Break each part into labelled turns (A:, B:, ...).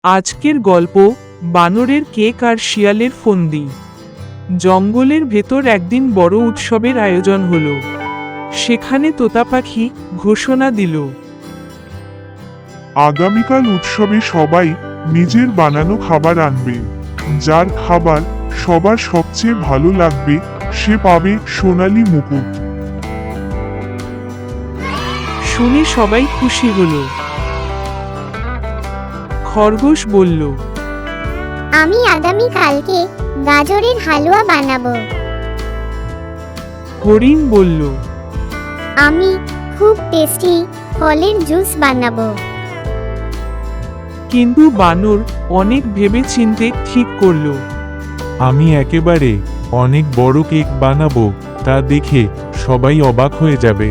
A: আজকের গল্প বানরের কেক আর শিয়ালের ফন্দি। জঙ্গলের ভেতর একদিন বড় উৎসবের আয়োজন হলো। সেখানে তোতা পাখি ঘোষণা দিল,
B: আগামীকাল উৎসবে সবাই নিজের বানানো খাবার আনবে। যার খাবার সবার সবচেয়ে ভালো লাগবে সে পাবে সোনালী মুকুট।
A: শুনে সবাই খুশি হলো। খরগোশ বলল,
C: আমি আগামীকালকে গাজরের হালুয়া বানাবো।
A: হরিণ বলল,
C: আমি খুব টেস্টি ফলের জুস বানাবো।
A: কিন্তু বানর অনেক ভেবেচিন্তে ঠিক করলো।
D: আমি একেবারে অনেক বড় কেক বানাবো, তা দেখে সবাই অবাক হয়ে যাবে।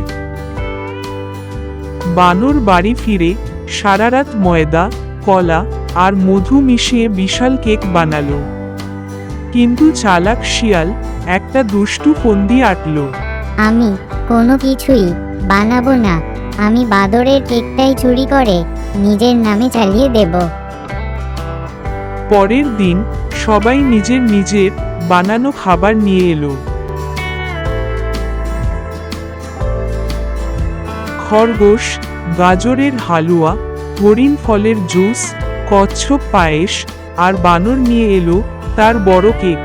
A: বানর বাড়ি ফিরে সারা রাত ময়দা, কলা আর মধু মিশিয়ে বিশাল কেক বানালো। কিন্তু চালাক শিয়াল একটা দুষ্টু ফন্দি আঁটল।
C: আমি কোনো কিছুই বানাবো না, আমি বাদরের কেকটাই চুরি করে নিজের নামে চালিয়ে দেব।
A: পরের দিন সবাই নিজের নিজের বানানো খাবার নিয়ে এলো। খরগোশ গাজরের হালুয়া, হরিণ ফলের জুস, কচ্ছপ পায়েস, আর বানর নিয়ে এলো তার বড় কেক।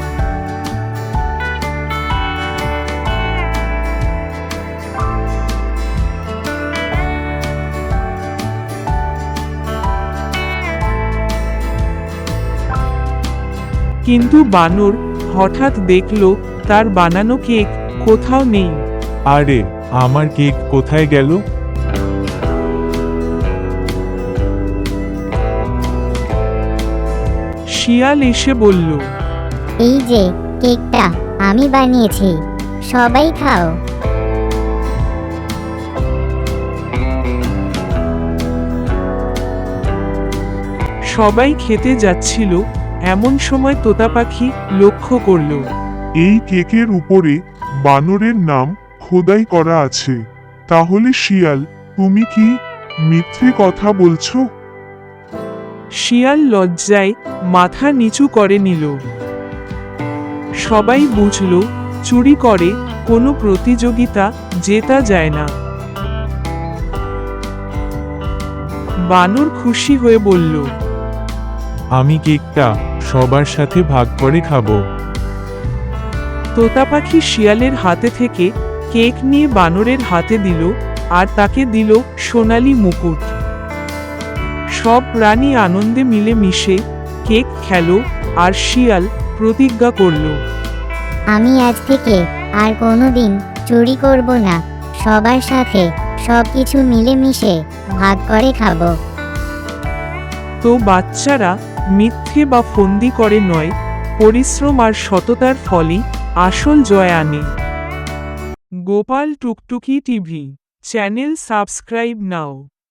A: কিন্তু বানর হঠাৎ দেখল তার বানানো কেক কোথাও নেই।
D: আরে, আমার কেক কোথায় গেল?
A: শিয়াল এসে বলল,
C: এই যে কেকটা আমি বানিয়েছি, সবাই খাও।
A: সবাই খেতে যাচ্ছিল, এমন সময় তোতা পাখি লক্ষ্য করল।
B: এই কেকের উপরে বানরের নাম খোদাই করা আছে। তাহলে শিয়াল, তুমি কি মিথ্যে কথা বলছো?
A: শিয়াল লজ্জায় মাথা নিচু করে নিল। সবাই বুঝল চুরি করে কোনো প্রতিযোগিতা জেতা যায় না। বানর খুশি হয়ে বলল,
D: আমি কেকটা সবার সাথে ভাগ করে খাবো।
A: তোতা পাখি শিয়ালের হাতে থেকে কেক নিয়ে বানরের হাতে দিল, আর তাকে দিল সোনালী মুকুট। সব প্রাণী আনন্দে মিলে মিশে কেক খেলো, আর শিয়াল প্রতিজ্ঞা করল,
C: আমি আজ থেকে আর কোনোদিন চুরি করব না, সবার সাথে সবকিছু মিলেমিশে ভাগ করে খাবো।
A: তো বাচ্চারা, মিথ্যে বা ফন্দি করে নয়, পরিশ্রম আর সততার ফলই আসল জয় আনে। গোপাল টুকটুকি টিভি চ্যানেল সাবস্ক্রাইব নাও।